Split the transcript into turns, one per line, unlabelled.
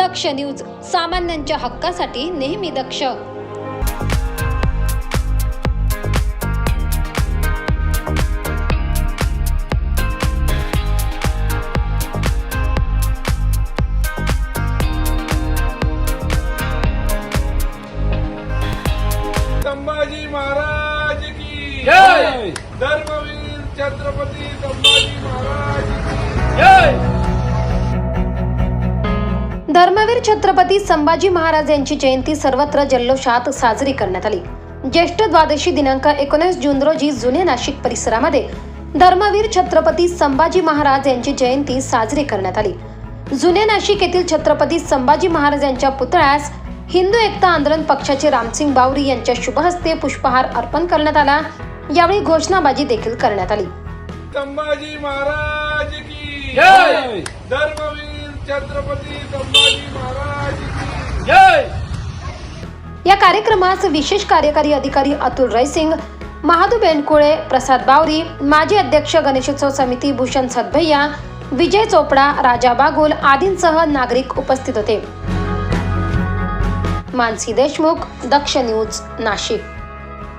दक्ष news, सामान्यांच्या हक्कासाठी नेहमी दक्ष.
संभाजी महाराज की
जय.
धर्मवीर छत्रपती संभाजी महाराज की
जय.
धर्मवीर छत्रपती संभाजी महाराज यांची जयंती सर्वत्र जल्लोषात साजरी करण्यात आली. ज्येष्ठ द्वादशी दिनांक 19 जून रोजी जुने नाशिक परिसरामध्ये धर्मवीर छत्रपती संभाजी महाराज यांची जयंती साजरी करण्यात आली. जुने नाशिक येथील छत्रपती संभाजी महाराज यांच्या पुतळ्यास हिंदू एकता आंदोलन पक्षाचे रामसिंग बावरी यांच्या शुभहस्ते पुष्पहार अर्पण करण्यात आला. यावेळी घोषणाबाजी देखील करण्यात आली.
संभाजी महाराज की
जय.
धर्मवीर छत्रपती संभाजी महाराज की
जय.
या कार्यक्रमास विशेष कार्यकारी अधिकारी अतुल रयसिंग, महादू बेंडकुळे, प्रसाद बावरी, माजी अध्यक्ष गणेशोत्सव समिती भूषण सदभैया, विजय चोपडा, राजा बागुल आदींसह नागरिक उपस्थित होते. मानसी देशमुख, दक्ष न्यूज, नाशिक.